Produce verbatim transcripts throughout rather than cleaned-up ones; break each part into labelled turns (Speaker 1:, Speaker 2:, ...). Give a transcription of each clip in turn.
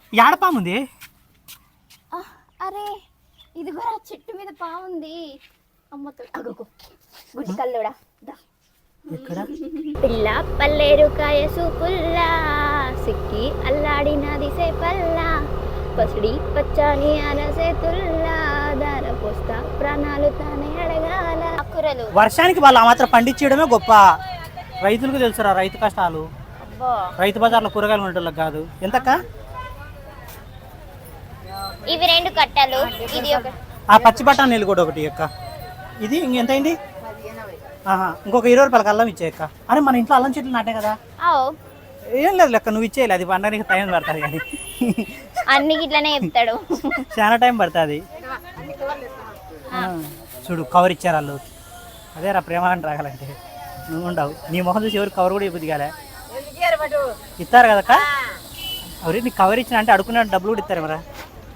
Speaker 1: ఏడపాముంది.
Speaker 2: అరే ఇది కూడా చెట్టు మీద పాముంది. అమ్మతో అగోగో గుడి కల్లోడా.
Speaker 1: ఎక్కడ?
Speaker 2: పిల్ల పల్లేరు కాయ సూపుల్లా సిక్కి అల్లాడినది సేపల్లా పసిడి పచ్చని అనసేతుల్లా దార పోస్తా ప్రాణాలు తానే అడగాల. కూరలు
Speaker 1: వర్షానికి వాళ్ళు ఆ మాత్రం పండించడమే గొప్ప. రైతులకు తెలుసురా రైతు కష్టాలు. రైతు బజార్లో కూరగాయలు ఉండేటోళ్ళకి కాదు. ఎంతక్క?
Speaker 2: ఇవి రెండు కట్టలు. ఇది ఒక
Speaker 1: ఆ పచ్చి బఠానీలు కూడా ఒకటి అక్క. ఇది ఇంకెంత అయింది? ఇంకొక ఇరవై రూపాయలకి అల్లం ఇచ్చేయక్క. అరే మన ఇంట్లో అల్లం చెట్లు నాటే కదా. ఏం లేదు లెక్క, నువ్వు ఇచ్చేయాలి. అది పండడానికి టైం పడుతుంది కానీ
Speaker 2: అన్ని ఇట్లనే చెప్తాడు.
Speaker 1: చాలా టైం పడుతుంది. చూడు కవర్ ఇచ్చారు వాళ్ళు. అదే రా ప్రేమ అని రాగాలంటే నువ్వు ఉండవు. నీ మొహం చూసి ఎవరు కవర్ కూడా ఇవ్వదు కాలే. ఇస్తారు కదక్క. ఎవరి నీకు కవర్ ఇచ్చిన అంటే అడుకున్న డబ్బులు కూడా ఇస్తారు మరా.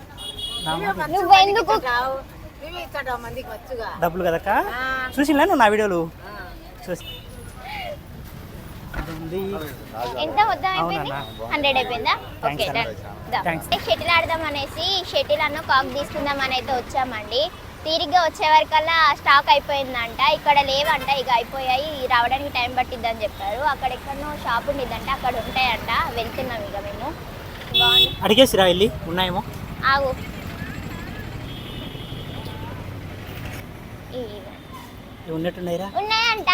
Speaker 1: డబ్బులు కదక్క. చూసినా నువ్వు నా వీడియోలు చూసి.
Speaker 2: ఎంత మొత్తం అయిపోయింది? హండ్రెడ్ అయిపోయిందా? ఓకే షటిల్ ఆడదాం అనేసి షటిల్ అన్న కాక్ తీసుకుందాం అని అయితే వచ్చామండి. తీరిగ్గా వచ్చే వరకల్లా స్టాక్ అయిపోయిందంట. ఇక్కడ లేవంట, ఇక అయిపోయాయి, రావడానికి టైం పట్టిద్దని చెప్పారు. అక్కడ ఎక్కడనో షాప్ ఉండిద్దంట, అక్కడ ఉంటాయంట. వెళ్తున్నాం ఇక మేము. బాగుంది.
Speaker 1: అడిగేసిరా వెళ్ళి ఉన్నాయేమో.
Speaker 2: ఆగు
Speaker 1: ఉన్నట్టున్నాయిరా.
Speaker 2: ఉన్నాయంట.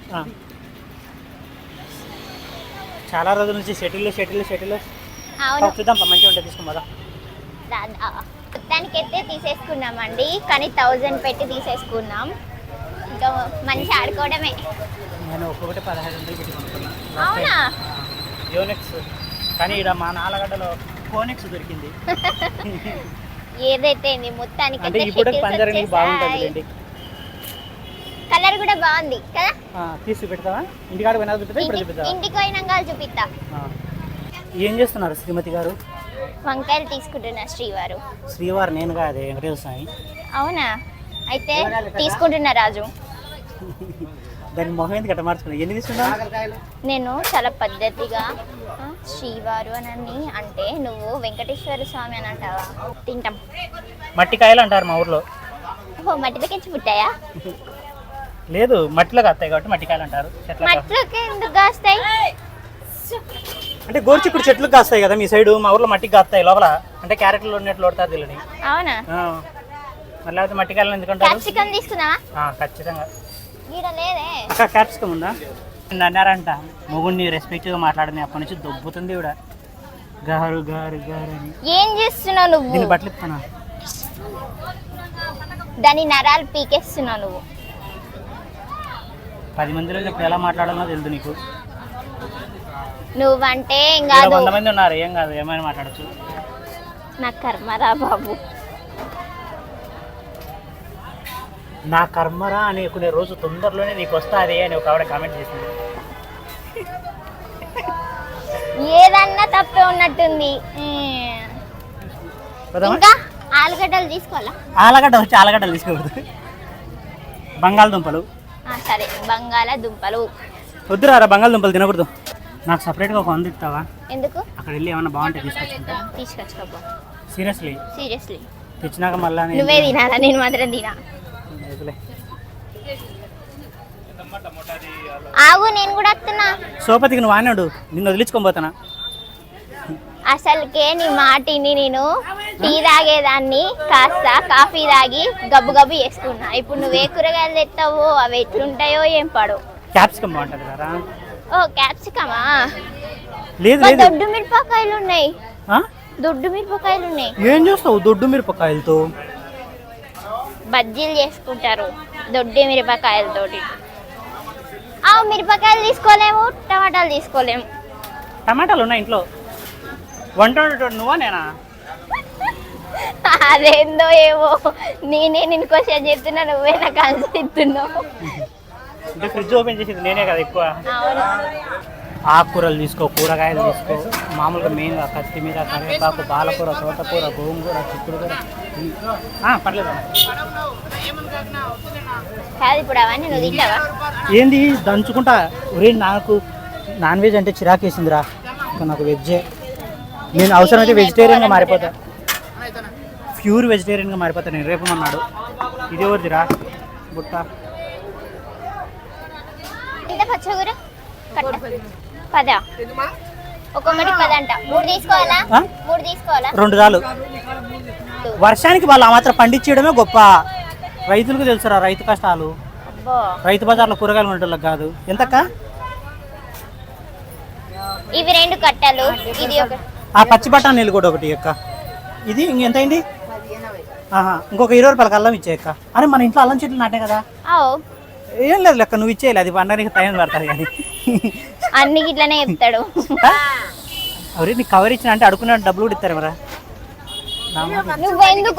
Speaker 1: చాలా రోజుల నుంచి షటిల్ షటిల్ షటిల్ చూద్దాం. మంచిగా ఉంటుంది, తీసుకోమదా.
Speaker 2: మొత్తానికి అయితే తీసేసుకున్నామండి, కానీ థౌజండ్ పెట్టి తీసేసుకున్నాం. ఇంకా మంచి ఆడుకోవడమే.
Speaker 1: నేను ఒక్కొక్కటి పదహారు వందలు పెట్టి కొనుక్కున్నాను.
Speaker 2: అవునా?
Speaker 1: యోనెక్స్. కానీ ఇక్కడ మా నాలగడ్డలో కోనెక్స్ దొరికింది.
Speaker 2: ఏదైతే మొత్తానికి
Speaker 1: బాగుంటుంది.
Speaker 2: కలర్ కూడా బాగుంది కదా.
Speaker 1: తీసి పెడతావా? ఇంటికాడ పోయినా చూపిస్తా, ఇప్పుడు చూపిస్తా.
Speaker 2: ఇంటికి పోయినాక చూపిస్తా.
Speaker 1: ఏం చేస్తున్నారు శ్రీమతి గారు?
Speaker 2: వంకాయలు తీసుకుంటున్నారు శ్రీవారు.
Speaker 1: శ్రీవారు నేను కాదు, వెంకటేశ్వర స్వామి.
Speaker 2: అవునా? అయితే తీసుకుంటున్నా రాజు.
Speaker 1: దాని మొహం ఎందుకు అట్లా మార్చుకున్నా? ఎన్ని తీసుకున్నా?
Speaker 2: నేను చాలా పద్ధతిగా శ్రీవారు అని అంటే నువ్వు వెంకటేశ్వర స్వామి అని అంటావా? తింటాం.
Speaker 1: మట్టికాయలు అంటారు మా ఊర్లో.
Speaker 2: ఓ మట్టిలోకి పుట్టాయా?
Speaker 1: లేదు, మట్టిలో కాస్తాయి కాబట్టి మట్టికాయలు అంటారు.
Speaker 2: మట్టిలోకి ఎందుకు కాస్తాయి?
Speaker 1: అంటే గోర్చిక్కుడు చెట్లు కాస్తాయి కదా మీ సైడ్, మా ఊర్లో మట్టికి కాస్తాయి లోపల. అంటే క్యారెట్లు ఉన్నట్లు కొడతారు తెలియని. అవునా? మళ్ళీ అయితే మట్టికాయలు ఎందుకంటారు?
Speaker 2: క్యాప్సికం తీసుకుందామా?
Speaker 1: ఖచ్చితంగా.
Speaker 2: లేదే
Speaker 1: క్యాప్సికం ఉందా? అన్నారంట మొగుడిని రెస్పెక్ట్ గా మాట్లాడని అప్పటి నుంచి దొబ్బుతుంది ఇవిడ. గారు గారు గారు అని.
Speaker 2: ఏం చేస్తున్నావు నువ్వు?
Speaker 1: దీన్ని బట్టలు ఇస్తానా?
Speaker 2: దాని నరాలు పీకేస్తున్నావు నువ్వు.
Speaker 1: పది మందిలో ఇప్పుడు ఎలా మాట్లాడాలో తెలుసు నీకు.
Speaker 2: నువ్వంటే
Speaker 1: వంద మంది ఉన్నారు, ఏం కాదు, ఏమైనా మాట్లాడచ్చు.
Speaker 2: నా కర్మరా బాబు.
Speaker 1: నా కర్మరా అనుకునే రోజు తొందరలోనే నీకు వస్తుంది అని ఒక ఆవిడ కామెంట్ చేసింది.
Speaker 2: ఏదన్నా తప్పే ఉన్నట్టుంది. ఇంకా ఆలుగడ్డలు తీసుకోవాలా?
Speaker 1: ఆలుగడ్డ వచ్చి ఆలుగడ్డలు తీసుకోకూడదు, బంగాళదుంపలు.
Speaker 2: సరే బంగాళదుంపలు
Speaker 1: వద్దురా, బంగాళదుంపలు తినకూడదు. నాకు సపరేట్గా ఒక వంద ఇస్తావా?
Speaker 2: ఎందుకు?
Speaker 1: అక్కడ వెళ్ళి ఏమన్నా బాగుంటే తీసుకొచ్చుకుంటా.
Speaker 2: తీసుకొచ్చుకోపో.
Speaker 1: సీరియస్లీ
Speaker 2: సీరియస్లీ
Speaker 1: తెచ్చినాక మళ్ళీ
Speaker 2: నువ్వే తినాలా, నేను మాత్రం తినా. ఆగు, నేను కూడా వస్తున్నా.
Speaker 1: సోపతికి నువ్వు ఆనాడు, నిన్ను వదిలించుకొని పోతానా?
Speaker 2: అసలుకే నీ మాటిని నేను టీ తాగేదాన్ని కాస్త కాఫీ తాగి గబ్బు గబ్బు చేసుకున్నా. ఇప్పుడు నువ్వే కూరగాయలు తెస్తావో అవి ఎట్లుంటాయో ఏం పడో.
Speaker 1: క్యాప్సికం బాగుంటుంది కదా.
Speaker 2: ఓ క్యాప్సికమా?
Speaker 1: లేదు,
Speaker 2: దొడ్డు మిరపకాయలు ఉన్నాయి. దొడ్డు మిరపకాయలు ఉన్నాయి.
Speaker 1: ఏం చేస్తావు దొడ్డు మిరపకాయలతో?
Speaker 2: బజ్జీలు చేసుకుంటారు దొడ్డు మిరపకాయలతోటి. ఆ మిరపకాయలు తీసుకోలేము, టమాటాలు తీసుకోలేము.
Speaker 1: టమాటాలు ఉన్నాయి ఇంట్లో. వంట నువ్వా నేనా?
Speaker 2: అదేందో ఏమో, నేనే నేను క్వశ్చన్ చెప్తున్నా, నువ్వే నాకు ఆన్సర్ ఇస్తున్నావు.
Speaker 1: అంటే ఫ్రిడ్జ్ ఓపెన్ చేసేది నేనే కదా ఎక్కువ. ఆకుకూరలు తీసుకో, కూరగాయలు తీసుకో, మామూలుగా మెయిన్గా కొత్తిమీర, కరివేపాకు, పాలకూర, తోటకూర, గోంగూర, చిక్కుడుకూర. పర్లేదు.
Speaker 2: ఇప్పుడు అవన్నీ నువ్వు తింటావా?
Speaker 1: ఏంది దంచుకుంటా? ఒరే నాకు నాన్ వెజ్ అంటే చిరాకేసిందిరా, ఇంకా నాకు వెజ్జే. నేను అవసరమైతే వెజిటేరియన్గా మారిపోతా, ప్యూర్ వెజిటేరియన్గా మారిపోతా నేను రేపు అన్నాడు. ఇది ఎవరిదిరా బుట్ట?
Speaker 2: పచ్చగూర పదా, ఒక్కొక్కటి పదంట. మూడు తీసుకోవాలా? మూడు తీసుకోవాలా?
Speaker 1: రెండు చాలు. వర్షానికి వాళ్ళు ఆ మాత్రం పండించడమే గొప్ప. రైతులకు తెలుసురా రైతు కష్టాలు. రైతు బజార్లో కూరగాయలు ఉండేళ్ళకి కాదు. ఎంతక్క?
Speaker 2: ఇవి రెండు కట్టలు, ఇది ఒక.
Speaker 1: ఆ పచ్చి బఠానీలు కూడా ఒకటి అక్క. ఇది ఇంకెంత అయింది? ఇంకొక ఇరవై రూపాయలకి అల్లం ఇచ్చేయక్క. అరే మన ఇంట్లో అల్లం చెట్లు నాటే కదా. ఏం లేదు లెక్క, నువ్వు ఇచ్చేయాలి, అది పండడానికి టైం పడతారు కానీ
Speaker 2: అన్ని ఇట్లనే చెప్తాడు.
Speaker 1: అవరే నీకు కవర్ ఇచ్చిన అంటే అడుకున్న డబ్బులు కూడా ఇస్తారు మరా.
Speaker 2: నువ్వెందుకు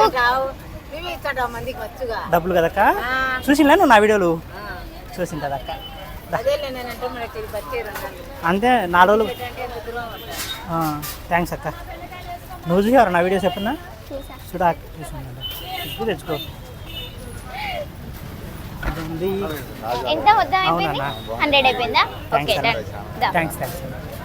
Speaker 1: డబ్బులు కదక్క? చూసినా నువ్వు నా వీడియోలు చూసింటదక్క. అంతే నాలుగు రోజులు. థ్యాంక్స్ అక్క. నువ్వు చూసావరా నా వీడియోస్ ఎప్పుడన్నా? చూడా చూసాను, ఇప్పుడు తెచ్చుకో.
Speaker 2: ఎంత వద్దా? హండ్రెడ్ అయిపోయిందా? Okay
Speaker 1: thanks thanks.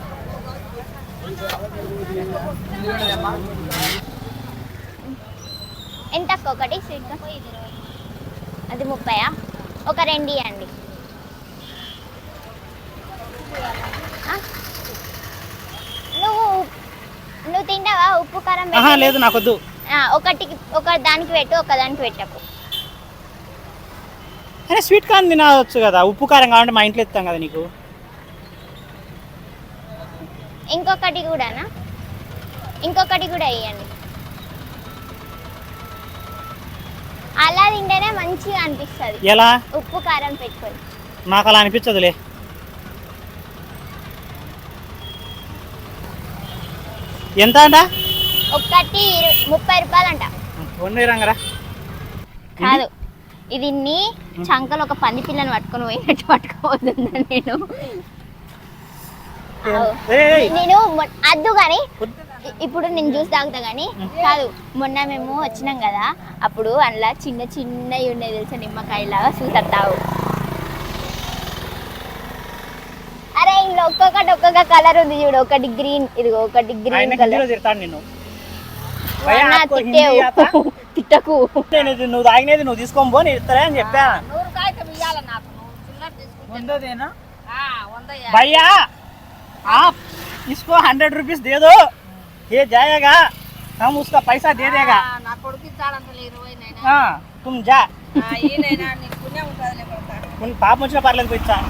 Speaker 2: ఎంత అక్క ఒకటి స్వీట్? అది ముప్పయా? ఒక రెండు ఇవ్వండి. నువ్వు నువ్వు తింటావా ఉప్పు కారం?
Speaker 1: లేదు నాకొద్దు.
Speaker 2: ఒకటికి ఒక దానికి పెట్టు, ఒక దానికి పెట్టకు.
Speaker 1: అరే స్వీట్ కార్న్ తినవచ్చు కదా, ఉప్పు కారం కావాలంటే మా ఇంట్లో ఇస్తాం కదా నీకు.
Speaker 2: ఇంకొకటి కూడానా? ఇంకొకటి కూడా ఇవ్వండి. అలా తింటేనే మంచిగా అనిపిస్తుంది.
Speaker 1: ఎలా?
Speaker 2: ఉప్పు కారం పెట్టుకొని.
Speaker 1: మాకు అలా అనిపించదులే. ఎంత అంట?
Speaker 2: ఒకటి ముప్పై రూపాయలు అంట.
Speaker 1: రంగరా
Speaker 2: కాదు, ఇది నీ చంకలు ఒక పంది పిల్లని పట్టుకొని పోయినట్టు పట్టుకోవద్దా నేను. నేను అద్దు కానీ ఇప్పుడు నేను జ్యూస్ తాగుతా కానీ కాదు. మొన్న మేము వచ్చినాం కదా, అప్పుడు అందులో చిన్న చిన్నవి ఉన్నాయి తెలుసా, నిమ్మకాయలాగా చూసేస్తావు. అరే ఇంట్లో ఒక్కొక్కటి ఒక్కొక్క కలర్ ఉంది చూడు. ఒకటి గ్రీన్, ఇది ఒకటి గ్రీన్ కలర్. తిట్టకు,
Speaker 1: నువ్వు తాగినది నువ్వు తీసుకోని పో, నేను ఇస్తారా అని చెప్పా. भैया आप इसको हंड्रेड रुपीज दे दो, ये जाएगा, हम उसका पैसा दे देगा. हाँ तुम जा, पाप मुझे पार्लर को इच्छा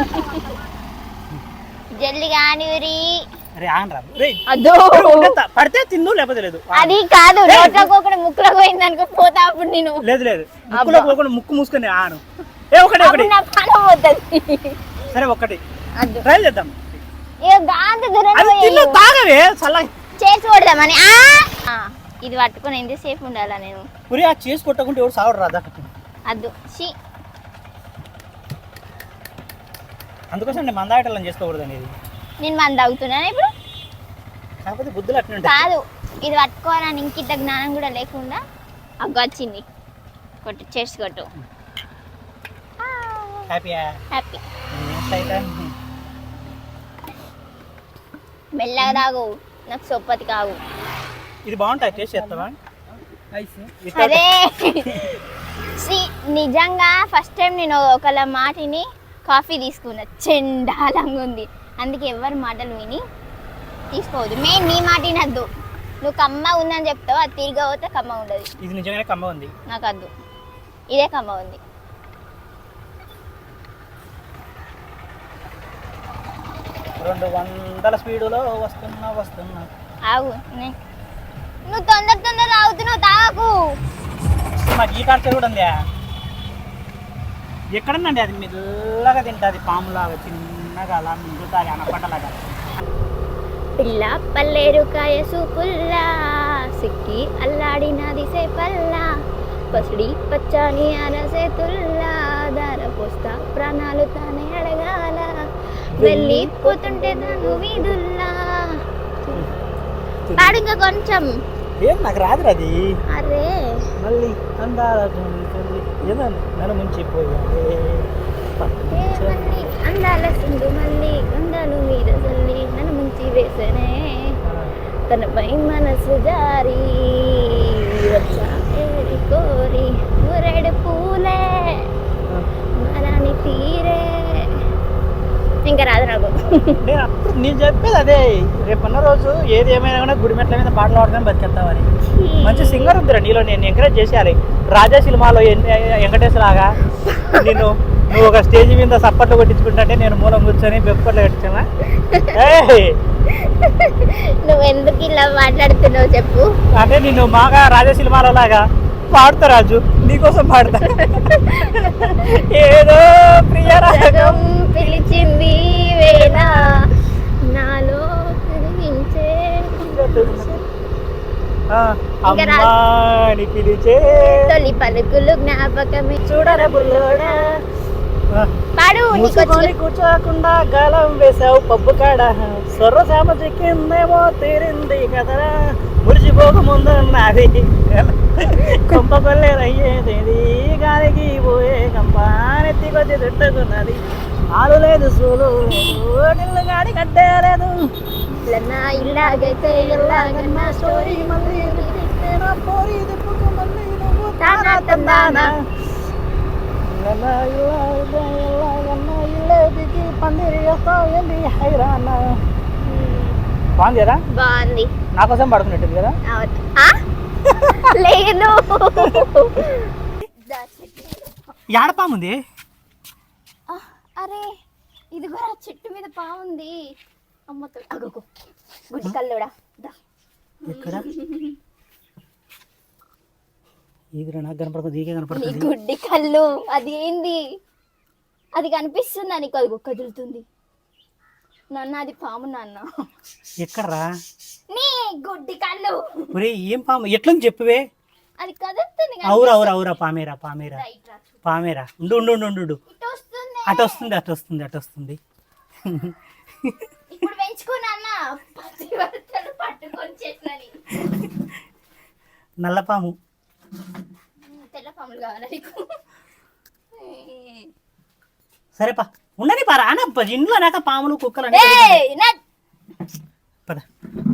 Speaker 2: జల్ది కానివ్వరి.
Speaker 1: అరే ఆనరా రే, అదో పడితే తిందు లేకపోతే లేదు.
Speaker 2: అది కాదు, నోట్లో పోకుండా ముక్కులో పోయింది అనుకో పోతా. అప్పుడు నేను
Speaker 1: లేదు లేదు ముక్కులో పోకుండా ముక్కు మూసుకొని ఆను. ఏ ఒకటి ఒకటి
Speaker 2: నా పానం పోతుంది.
Speaker 1: సరే ఒకటి ట్రై చేద్దాం.
Speaker 2: ఇక గాంధీ దూరం
Speaker 1: తాగవే చల్ల
Speaker 2: చేసి కొడదామని. ఇది పట్టుకొని ఎంతసేపు ఉండాలా నేను?
Speaker 1: పురి ఆ చేసి కొట్టకుంటే ఎవరు సావడు రాదా?
Speaker 2: అద్దు షీ,
Speaker 1: అందుకోసం నేను మందాటలను చేసుకోకూడదు అనేది.
Speaker 2: నేను మంద తాగుతున్నాను ఇప్పుడు.
Speaker 1: కాకపోతే బుద్ధులు అట్లా
Speaker 2: కాదు, ఇది పట్టుకోవాలని ఇంకింత జ్ఞానం కూడా లేకుండా అగ్గ వచ్చింది. కొట్టు, చేసి కొట్టు.
Speaker 1: హ్యాపీయా?
Speaker 2: హ్యాపీ. మెల్లగా తాగు, నాకు సొప్పతి కావు.
Speaker 1: ఇది బాగుంటుంది, టేస్ట్ చేస్తావా?
Speaker 2: అదే నిజంగా ఫస్ట్ టైం నేను ఒకళ్ళ మాటిని కాఫీ తీసుకున్నా, చెండాలంగా ఉంది. అందుకే ఎవరి మాటలు విని తీసుకోవద్దు. మెయిన్ నీ మాట వినద్దు. నువ్వు కమ్మ ఉందని చెప్తావు, అది తిరిగి పోతే కమ్మ ఉండదు.
Speaker 1: ఇది నిజంగానే కమ్మ ఉంది.
Speaker 2: నాకు వద్దు, ఇదే కమ్మ ఉంది.
Speaker 1: రెండు వందల స్పీడులో వస్తున్నా వస్తున్నా.
Speaker 2: ఆగు, నువ్వు తొందర తొందర తాగుతున్నావు, తాగకు.
Speaker 1: మాకు ఈ ఖర్చు కూడా ఉందా? ఎక్కడనండి అది మెల్లగా తింటుంది, పాములాగా చిన్నగా అలా మింగుతుంది అనపడలాగా.
Speaker 2: పిల్ల పల్లేరుకాయ సూపుల్లా సిక్కి అల్లాడినది సేపల్లా, పసిడి పచ్చని అరసేతుల్లా, దార పోస్తా ప్రాణాలు తానే అడగాల, వెళ్ళిపోతుంటే తను వీధుల్లా. పాడు ఇంకా కొంచెం.
Speaker 1: ఏం నాకు రాదు అది.
Speaker 2: అరే
Speaker 1: మళ్ళీ అందాల ఏదో నన్ను ముంచిపోయాడే,
Speaker 2: అందాల సింధు మళ్ళీ అందాలు మీద చల్లి నన్ను ముంచి వేసనే, తనపై మనసు జారి వచ్చా ఏరి కోరి మురడు పూలే మరాని తీరే ఇంకా రాదు నాకు.
Speaker 1: నేను అప్పుడు నేను చెప్పేది అదే, రేపన్న రోజు ఏది ఏమైనా కూడా గుడిమెట్ల మీద పాటలు పాడుకొని బతికెళ్తామని. మంచి సింగర్ ఉందిరా నీలో, నేను ఎంకరేజ్ చేసేయాలి. రాజా సినిమాలో వెంకటేష్ లాగా నేను నువ్వు ఒక స్టేజ్ మీద సప్పట్లు కొట్టించుకుంటే నేను మూలం కూర్చొని బెప్పట్లు కట్టించానా?
Speaker 2: నువ్వు ఎందుకు ఇలా మాట్లాడుతున్నావు చెప్పు.
Speaker 1: అంటే నేను మాగా రాజా సినిమాలో లాగా పాడుతా రాజు, నీకోసం పాడతా. ఏదో ప్రియరాగం
Speaker 2: పిలిచింది వేళ నాలో కనిపించే
Speaker 1: అమ్మాని పిలిచే
Speaker 2: తొలి పలుకులు జ్ఞాపకమే
Speaker 1: చూడరా బుల్లోడా.
Speaker 2: పాడు.
Speaker 1: మూసుకొని కూర్చోకుండా గాలం వేసావు పబ్బు కాడ, సొర్ర సామ చిక్కిందేమో తీరింది కదరా, మురిసిపోక ముందున్నది కొంప కొల్లేరయ్యేది, గాలికి పోయే కంపానెత్తి కొద్ది తిట్టుకున్నది, ఆలు లేదు సూలు లేదు నిల్లు గాడి కట్టేలేదు.
Speaker 2: ఇలాగైతే ఎలాగన్నా స్టోరీ
Speaker 1: మళ్ళీ పోరి దిప్పుకు మళ్ళీ నువ్వు తానా తందానా బాగుందిరా,
Speaker 2: బాగుంది.
Speaker 1: నా కోసం పడుకున్నట్టుంది కదా.
Speaker 2: లేదు
Speaker 1: యాడ పాముంది?
Speaker 2: అరే ఇది కూడా చెట్టు మీద పాముంది. అమ్మతో గుడ్డి కల్లుడా.
Speaker 1: ఎక్కడ ఇది నాకు కనపడుతుంది, ఈకే కనపడుతుంది.
Speaker 2: గుడ్డి కళ్ళు అది ఏంది? అది కనిపిస్తుందా నీకు? అది కదులుతుంది నాన్న, అది పాము నాన్న.
Speaker 1: ఎక్కడరా
Speaker 2: నీ గుడ్డి కళ్ళు?
Speaker 1: ఒరే ఏం పాము, ఎట్లా చెప్పువే.
Speaker 2: అది కదులుతుంది.
Speaker 1: అవురు అవురు అవురా పామేరా పామేరా పామేరా. ఉండు ఉండు ఉండు ఉండు అటు వస్తుంది అటు వస్తుంది అటు వస్తుంది.
Speaker 2: ఇప్పుడు పెంచుకున్నా పట్టుకొని చేసినని.
Speaker 1: నల్లపాము,
Speaker 2: తెల్ల పాములు కావాలా నీకు?
Speaker 1: సరేపా ఉండని పా, రానప్ప ఇంట్లో నాక పాములు కుక్కలు పద.